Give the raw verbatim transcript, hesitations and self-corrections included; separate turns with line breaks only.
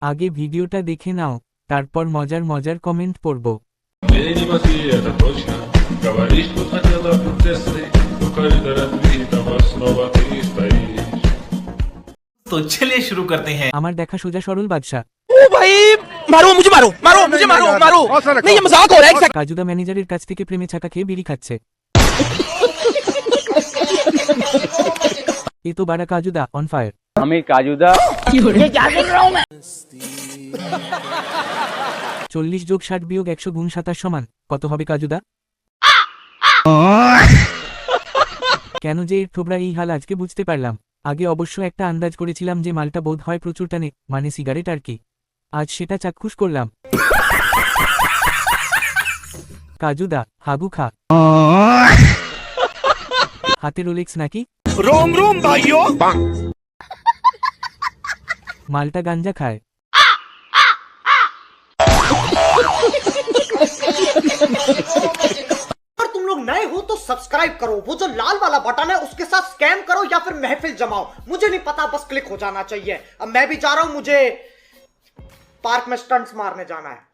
আগে ভিডিওটা দেখে নাও, তারপর মজার মজার কমেন্ট পড়ব।
तो चलिए शुरू करते हैं।
আমার দেখা সোজা সরল বাদশা।
ओ भाई मारो मुझे मारो मारो मुझे मारो मारो नहीं ये मजाक हो रहा है एक सेकंड।
কাজুদা ম্যানেজারের কাছ থেকে প্রেমে ছাকা খেয়ে বিড়ি খাচ্ছে। এ তো বাড়া কাজুদা অন ফায়ার।
আমি কাজুদা
চল্লিশ যোগ ষাট বিয়োগ একশো গুণ সাতাশ সমান কত হবে কাজুদা? কেন যে এর থোবরা এই হাল আজকে বুঝতে পারলাম। আগে অবশ্য একটা আন্দাজ করেছিলাম যে মালটা বোধ হয় প্রচুর টানে, মানে সিগারেট আর কি। আজ সেটা চাক্ষুষ করলাম। কাজুদা হাগু খা। হাতে রোলেক্স নাকি?
रोम रोम भाइयों
মালটা গাঞ্জা খায়।
अगर तुम लोग नए हो तो सब्सक्राइब करो, वो जो लाल वाला बटन है उसके साथ स्कैम करो या फिर महफिल जमाओ, मुझे नहीं पता, बस क्लिक हो जाना चाहिए। अब मैं भी जा रहा हूं, मुझे पार्क में स्टंट्स मारने जाना है।